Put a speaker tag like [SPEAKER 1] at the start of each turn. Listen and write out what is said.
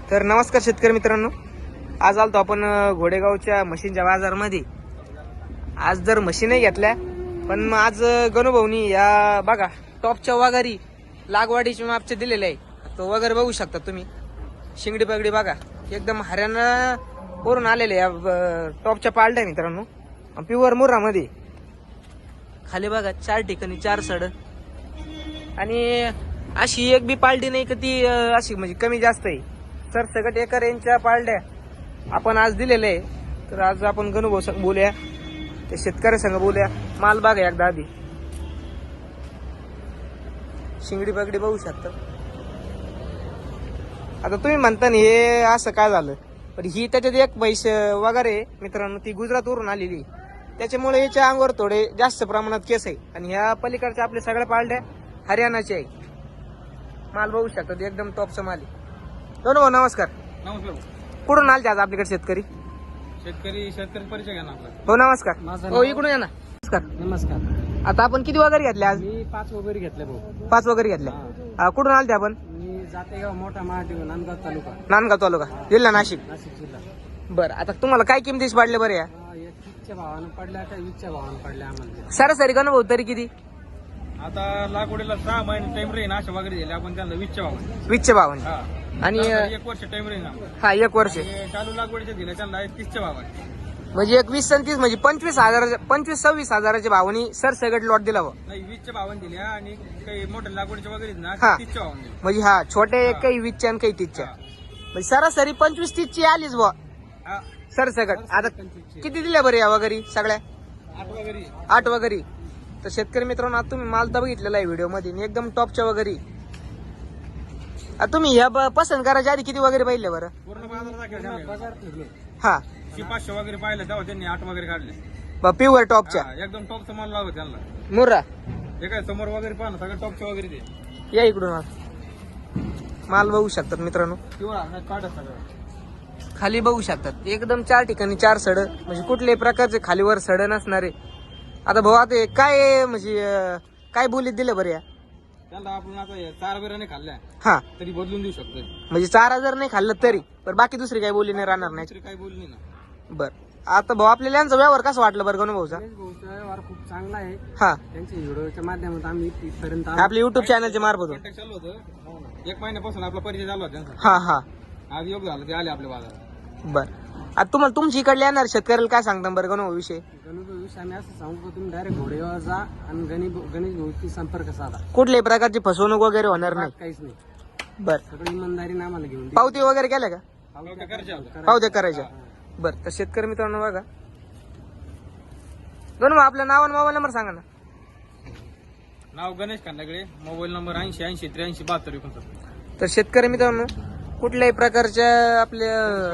[SPEAKER 1] तर नमस्कार शेतकरी मित्रांनो, आज आलतो आपण घोडेगावच्या मशीनच्या बाजारमध्ये. आज जर मशीनही घेतल्या, पण मग आज गणूभाऊनी या बघा टॉपच्या वगारी लागवडीचे मापचे दिलेले आहे. तो वगैरे बघू शकता तुम्ही. शिंगडी पगडी बघा, एकदम हरियाणा वरून आलेले या टॉपच्या पालट्या मित्रांनो. प्युअर मुरामध्ये खाली बघा 4 ठिकाणी 4 सड, आणि अशी एक बी पालटी नाही का ती अशी म्हणजे कमी जास्त आहे. सर सगट एका रेंजच्या पालट्या आपण आज दिलेले आहे. तर आज आपण गणूभाऊ संग बोलूया, ते शेतकरी संग बोलूया. माल बघा एकदा आधी, शिंगडी पगडी बघू शकता. आता तुम्ही म्हणता ना हे असं काय झालं, पण ही त्याच्यात एक म्हैस वगैरे मित्रांनो ती गुजरातवरून आलेली, त्याच्यामुळे याच्या अंगावर थोडे जास्त प्रमाणात केस आहे. आणि ह्या पलीकडच्या आपल्या सगळ्या पालट्या हरियाणाच्या आहे. माल बघू शकता एकदम टॉपचा माल आहे. भाऊ नमस्कार.
[SPEAKER 2] नमस्कार.
[SPEAKER 1] कुठून आलते आज आपल्याकडे शेतकरी?
[SPEAKER 2] शेतकरी परिचय घ्या ना आपला.
[SPEAKER 1] हो नमस्कार. हो इकडून या ना. नमस्कार.
[SPEAKER 2] नमस्कार.
[SPEAKER 1] आता आपण किती वगैरे घेतले आज?
[SPEAKER 2] मी 5 वगैरे घेतले भाऊ.
[SPEAKER 1] 5 वगैरे घेतल्या. कुठून आलते आपण?
[SPEAKER 2] मी जातेगाव मोठा महादेव नांदगाव तालुका
[SPEAKER 1] नांदगाव तालुका जिल्हा नाशिक.
[SPEAKER 2] नाशिक जिल्हा.
[SPEAKER 1] बरं, आता तुम्हाला काय किमतीस पाडले बरं या?
[SPEAKER 2] एक 30च्या भावानं पडल्या का 20च्या भावानं पडल्या आम्हाला.
[SPEAKER 1] सरासरी का भाऊ तरी किती?
[SPEAKER 2] आता लागवडीला 6 महिने टाइम राहील अशा वगैरे दिले आपण त्यांना 20च्या भावाने.
[SPEAKER 1] 20च्या भावाने.
[SPEAKER 2] हा.
[SPEAKER 1] आणि
[SPEAKER 2] 1 वर्ष टाइम राहील ना.
[SPEAKER 1] हा 1 वर्ष
[SPEAKER 2] आणि चालू लागवडीचे दिले त्यांना 30च्या भावाने.
[SPEAKER 1] म्हणजे एक 20 आणि 30 म्हणजे 25,000 26,000च्या भावानी सर सगट लॉट दिला भाऊ.
[SPEAKER 2] नाही 20च्या भावाने दिल्या, आणि काही मोठ्या लागवडीच्या वगैरे ना
[SPEAKER 1] हा.
[SPEAKER 2] 30च्या भावाने दिले.
[SPEAKER 1] म्हणजे हा छोटे काही 20च्या आणि काही 30च्या,
[SPEAKER 2] हा.
[SPEAKER 1] म्हणजे सरासरी 25-30ची आलीच बुवा
[SPEAKER 2] हा.
[SPEAKER 1] सर सगट. आता
[SPEAKER 2] 25ची.
[SPEAKER 1] किती दिल्या बरं या वगैरे सगळ्या?
[SPEAKER 2] 8 वगैरे.
[SPEAKER 1] 8 वगैरे. तर शेतकरी मित्रांनो आता तुम्ही माल तर बघितलेला आहे व्हिडिओ मध्ये, एकदम टॉपच्या वगैरे. आता तुम्ही ह्या पसंत करायच्या आधी किती वगैरे पाहिले बरं?
[SPEAKER 2] पूर्ण बाजार फिरलो.
[SPEAKER 1] हा
[SPEAKER 2] 500 वगैरे पाहिलं तेव्हा त्यांनी 8 वगैरे काढले.
[SPEAKER 1] प्युअर टॉपच्या
[SPEAKER 2] हा, एकदम टॉपचा माल लागत त्यांना.
[SPEAKER 1] मुर्रा.
[SPEAKER 2] हे काय समोर वगैरे पाहा ना, सगळं टॉपचे वगैरे ते.
[SPEAKER 1] या इकडून माल बघू शकतात मित्रांनो.
[SPEAKER 2] किंवा काढत सगळं
[SPEAKER 1] खाली बघू शकतात एकदम 4 ठिकाणी 4 सड, म्हणजे कुठल्याही प्रकारचे खालीवर सड नसणारे. आता भाऊ आता काय म्हणजे काय बोलीत दिलं बरं या?
[SPEAKER 2] त्यांना आपण आता 4 बिराने खाल्ल्या
[SPEAKER 1] हा
[SPEAKER 2] तरी बदलून देऊ शकतो.
[SPEAKER 1] म्हणजे 4,000 नाही खाल्लं तरी, पण बाकी दुसरी काही बोली नाही राहणार नाही.
[SPEAKER 2] दुसरी काही बोलली ना.
[SPEAKER 1] बर, आता भाऊ आपल्याला यांचा व्यवहार कसा वाटला बरं गणू भाऊचा?
[SPEAKER 2] व्यवहार खूप चांगला आहे.
[SPEAKER 1] हा
[SPEAKER 2] त्यांच्या व्हिडिओच्या माध्यमातून आम्ही इथपर्यंत
[SPEAKER 1] आपल्या युट्यूब चॅनलच्या मार्फत.
[SPEAKER 2] कॉन्टॅक्ट चालू होतं. 1 महिन्यापासून आपला परिचय झाला होता त्यांचा.
[SPEAKER 1] हा हा
[SPEAKER 2] आज योग झालं, ते आले आपल्या बाजारात.
[SPEAKER 1] बर, आता तुम्हाला तुमच्या इकडले येणार शेतकऱ्याला काय सांगता बरं गणू भाऊ विषय?
[SPEAKER 2] विषय आम्ही असं सांगू, तुम्ही डायरेक्ट घोडेगाव जा आणि गणेश भाऊची संपर्क साधा.
[SPEAKER 1] कुठल्याही प्रकारची फसवणूक वगैरे होणार नाही.
[SPEAKER 2] काहीच नाही.
[SPEAKER 1] बर,
[SPEAKER 2] सगळी इमानदारीने आम्हाला घेऊन दे.
[SPEAKER 1] पावती वगैरे केल्या का? पावत्या करायच्या.
[SPEAKER 2] हा.
[SPEAKER 1] बर, तर शेतकरी मित्रांनो बघा गणू भाऊ आपलं नाव आणि मोबाईल नंबर सांगा ना.
[SPEAKER 2] नाव गणेश खांदाकडे, मोबाईल नंबर 80-80-83-72.
[SPEAKER 1] तर शेतकरी मित्रांनो कुठल्याही प्रकारच्या आपल्या